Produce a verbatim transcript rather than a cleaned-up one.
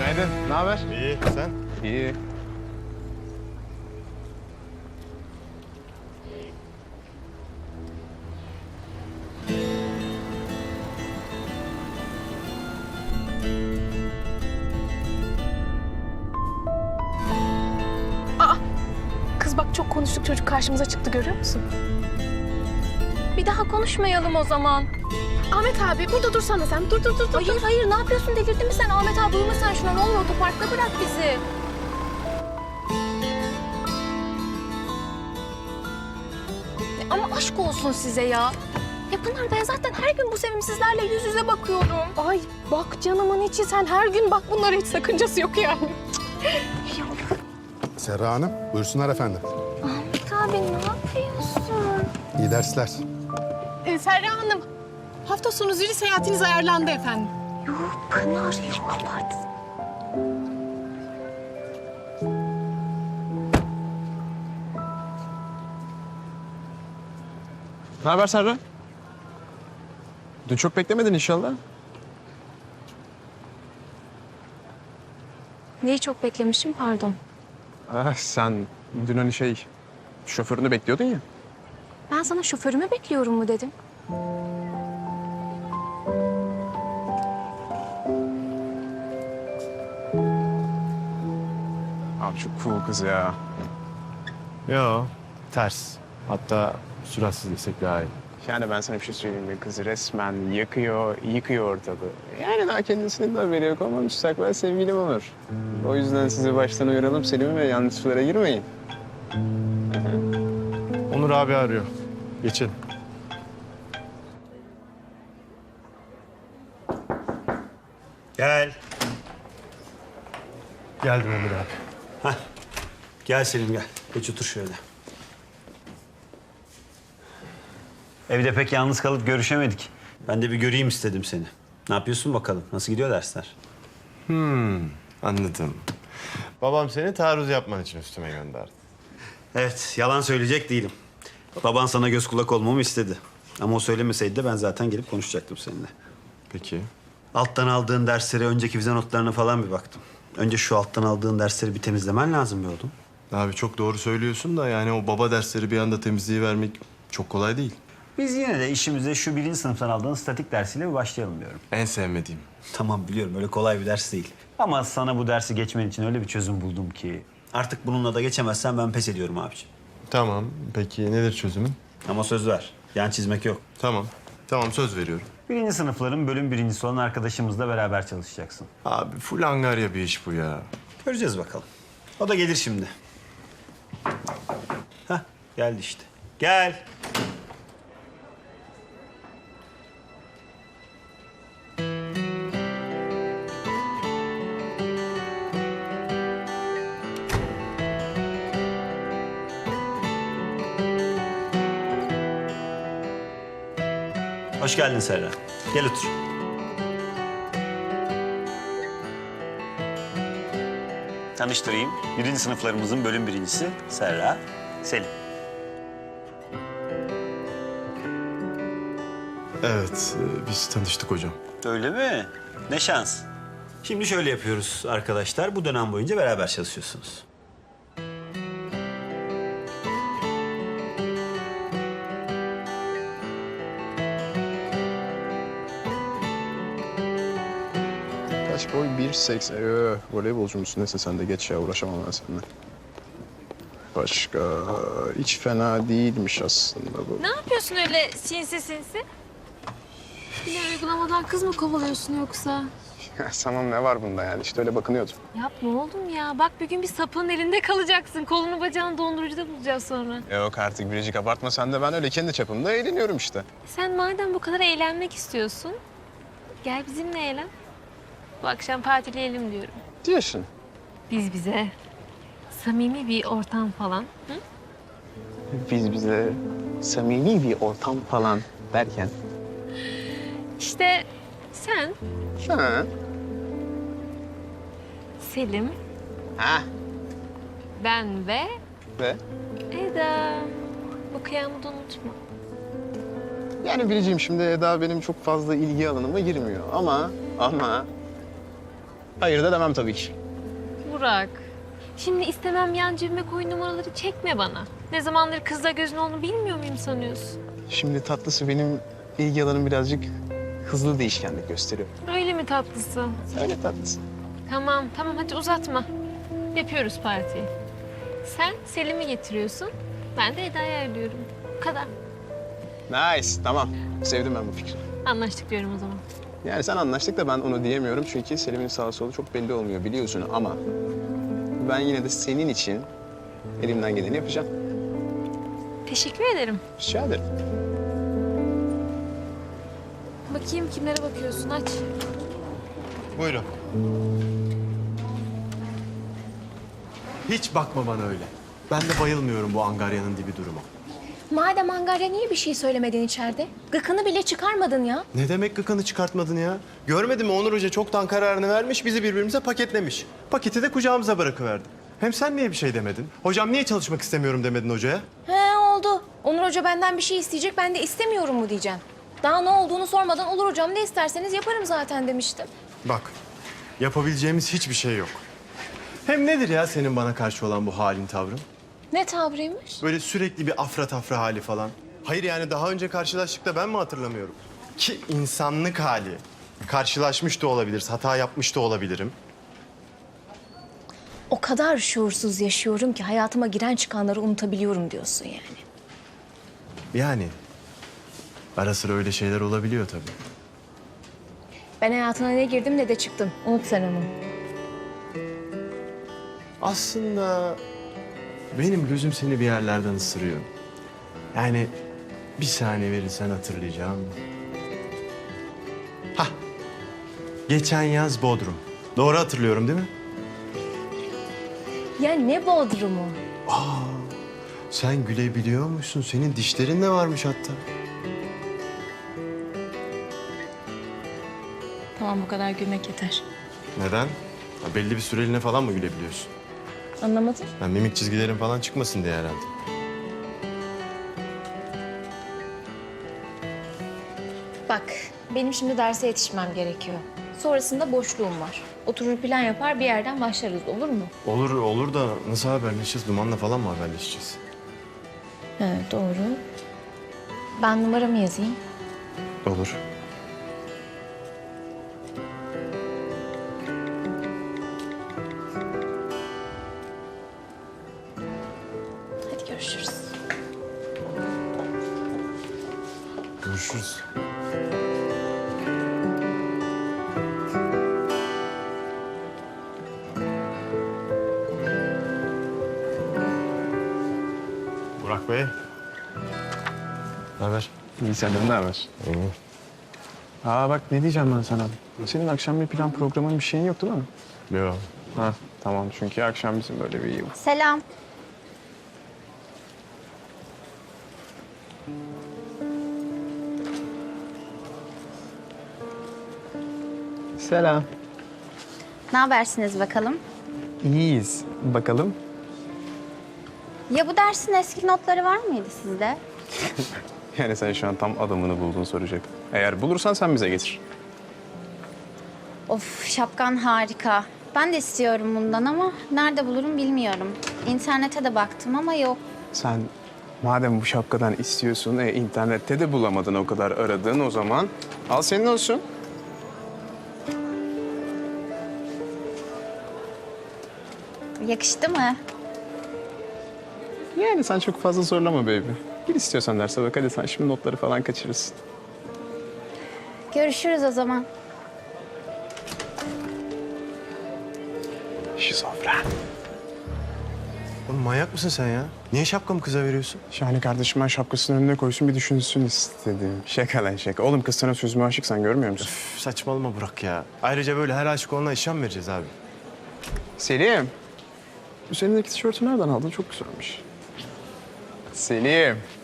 Günaydın. Ne haber? İyi, sen? İyi. Kız bak çok konuştuk, çocuk karşımıza çıktı, görüyor musun? Bir daha konuşmayalım o zaman. Ahmet abi burada dursana sen. Dur dur dur. dur. Hayır hayır ne yapıyorsun, delirdin mi sen? Ahmet abi uyuma sen şuna, ne olur otoparkta bırak bizi. Ama aşk olsun size ya. Ya Pınar, ben zaten her gün bu sevimsizlerle yüz yüze bakıyorum. Ay bak canımın içi, sen her gün bak, bunlara hiç sakıncası yok yani. Serra Hanım, buyursunlar efendim. Ahmet abi ne yapıyorsun? İyi dersler. Ee, Serra Hanım, hafta sonu zili seyahatiniz ayarlandı efendim. Yok Pınar, yok abart. Ne haber Serra? Dün çok beklemedin inşallah. Neyi çok beklemişim, pardon. Ah, sen dün hani şey, şoförünü bekliyordun ya. Ben sana şoförümü bekliyorum mu dedim. Abi çok cool kız ya. Yo, ters. Hatta süratsiz desek daha iyi. Yani ben sana bir şey söyleyeyim mi? Kız resmen yakıyor, yıkıyor ortalığı. Yani daha kendisinin de haberi yok ama müstakbel sevgilim olur. O yüzden sizi baştan uyaralım Selim ve yanlış sulara girmeyin. Onur abi arıyor. Geçelim. Gel. Geldim Emir abi. Hah. Gel Selim gel. Geç otur şöyle. Evde pek yalnız kalıp görüşemedik. Ben de bir göreyim istedim seni. Ne yapıyorsun bakalım? Nasıl gidiyor dersler? Hmm, anladım. Babam seni taarruz yapman için üstüme gönderdi. Evet, yalan söyleyecek değilim. Baban sana göz kulak olmamı istedi. Ama o söylemeseydi de ben zaten gelip konuşacaktım seninle. Peki. Alttan aldığın derslere, önceki vize notlarına falan bir baktım. Önce şu alttan aldığın dersleri bir temizlemen lazım be oğlum. Abi çok doğru söylüyorsun da yani o baba dersleri bir anda temizliği vermek çok kolay değil. Biz yine de işimize şu birinci sınıftan aldığın statik dersiyle bir başlayalım diyorum. En sevmediğim. Tamam biliyorum öyle kolay bir ders değil. Ama sana bu dersi geçmen için öyle bir çözüm buldum ki... Artık bununla da geçemezsen ben pes ediyorum abiciğim. Tamam. Peki nedir çözümün? Ama söz ver. Yan çizmek yok. Tamam. Tamam söz veriyorum. Birinci sınıfların bölüm birincisi olan arkadaşımızla beraber çalışacaksın. Abi full angarya bir iş bu ya. Göreceğiz bakalım. O da gelir şimdi. Hah geldi işte. Gel. Hoş geldin Serra. Gel otur. Tanıştırayım. Birinci sınıflarımızın bölüm birincisi Serra, Selim. Evet, e, biz tanıştık hocam. Öyle mi? Ne şans. Şimdi şöyle yapıyoruz arkadaşlar. Bu dönem boyunca beraber çalışıyorsunuz. Kaç boy? bir seksen. Ee, voleybolcu musun? Neyse sen de geç ya, uğraşamam ben seninle. Başka hiç fena değilmiş aslında bu. Ne yapıyorsun öyle sinsi sinsi? Yine uygulamadan kız mı kovalıyorsun yoksa? Tamam, ne var bunda yani? İşte öyle bakınıyordum. Yapma oğlum ya. Bak bir gün bir sapığın elinde kalacaksın. Kolunu bacağını dondurucuda bulacağız sonra. Yok artık Biricik, abartma sen de. Ben öyle kendi çapımda eğleniyorum işte. Sen madem bu kadar eğlenmek istiyorsun, gel bizimle eğlen. Bu akşam partileyelim diyorum. Diyorsun. Biz bize. Samimi bir ortam falan. Hı? Biz bize samimi bir ortam falan derken. İşte sen, Ha. Selim, Ha. ben ve Ve Eda. Bu kıyamı da unutma. yani Biricik'im, şimdi Eda benim çok fazla ilgi alanıma girmiyor ama ama Hayır da demem tabii ki. Burak. Şimdi istemem yan cebime koy numaraları çekme bana. Ne zamandır kızla gözün olduğunu bilmiyor muyum sanıyorsun? Şimdi tatlısı benim ilgi alanım birazcık hızlı değişkenlik gösteriyor. Öyle mi tatlısı? Öyle tatlısı. Tamam tamam hadi uzatma. Yapıyoruz partiyi. Sen Selim'i getiriyorsun. Ben de Eda'yı ayarlıyorum. Bu kadar. Nice, tamam. Sevdim ben bu fikri. Anlaştık diyorum o zaman. Yani sen anlaştık da ben onu diyemiyorum çünkü Selim'in sağı solu çok belli olmuyor biliyorsun ama ben yine de senin için elimden geleni yapacağım. Teşekkür ederim. Rica ederim. Bakayım kimlere bakıyorsun aç. Buyurun. Hiç bakma bana öyle. Ben de bayılmıyorum bu angaryanın dibi duruma. Madem Angarya niye bir şey söylemedin içeride? Gıkını bile çıkarmadın ya. Ne demek gıkanı çıkartmadın ya? Görmedin mi Onur Hoca çoktan kararını vermiş, bizi birbirimize paketlemiş. Paketi de kucağımıza bırakıverdi. Hem sen niye bir şey demedin? Hocam niye çalışmak istemiyorum demedin hocaya? He oldu. Onur Hoca benden bir şey isteyecek, ben de istemiyorum mu diyeceğim. Daha ne olduğunu sormadan olur hocam ne isterseniz yaparım zaten demiştim. Bak, yapabileceğimiz hiçbir şey yok. Hem nedir ya senin bana karşı olan bu halin, tavrın? Ne tavrıymış? Böyle sürekli bir afra tafra hali falan. Hayır yani daha önce karşılaştık da ben mi hatırlamıyorum? Ki insanlık hali. Karşılaşmış da olabiliriz, hata yapmış da olabilirim. O kadar şuursuz yaşıyorum ki hayatıma giren çıkanları unutabiliyorum diyorsun yani. Yani ara sıra öyle şeyler olabiliyor tabii. Ben hayatına ne girdim ne de çıktım. Unut sen onu. Aslında benim gözüm seni bir yerlerden ısırıyor. Yani bir saniye verirsen hatırlayacağım. Hah, geçen yaz Bodrum. Doğru hatırlıyorum değil mi? Ya ne Bodrum'u? Sen gülebiliyor musun? Senin dişlerin de varmış hatta. Tamam bu kadar gülmek yeter. Neden? Ha, belli bir süreliğine falan mı gülebiliyorsun? Anlamadım. Ha, mimik çizgilerin falan çıkmasın diye herhalde. Bak benim şimdi derse yetişmem gerekiyor. Sonrasında boşluğum var. Oturur plan yapar bir yerden başlarız olur mu? Olur, olur da nasıl haberleşeceğiz? Dumanla falan mı haberleşeceğiz? Evet doğru. Ben numaramı yazayım. Olur. Hadi görüşürüz. Görüşürüz. Burak Bey. Ne haber? İyi senden ne haber? Aa bak ne diyeceğim ben sana. Senin akşam bir plan programın bir şeyin yok değil mi? Yok. Ha tamam çünkü akşam bizim böyle bir Selam. Selam. Ne habersiniz bakalım? İyiyiz. Bakalım. Ya bu dersin eski notları var mıydı sizde? Yani sen şu an tam adamını buldun soracak. Eğer bulursan sen bize getir. Of şapkan harika. Ben de istiyorum bundan ama nerede bulurum bilmiyorum. İnternete de baktım ama yok. Sen madem bu şapkadan istiyorsun, e, internette de bulamadın o kadar aradın o zaman. Al senin olsun. Yakıştı mı? Yani sen çok fazla zorlama baby. Gir istiyorsan derse bak hadi sen şimdi notları falan kaçırırsın. Görüşürüz o zaman. Şizofren. Oğlum manyak mısın sen ya? Niye şapkamı kıza veriyorsun? Şahane kardeşim ben şapkasını önüne koysun bir düşünsün istedim. Şaka lan şaka. Oğlum kız sana sözüme aşık sen görmüyor musun? Üf, saçmalama Burak ya. Ayrıca böyle her aşık olana işlem mi vereceğiz abi? Selim. Üzerindeki tişörtü nereden aldın? Çok güzelmiş. Selim.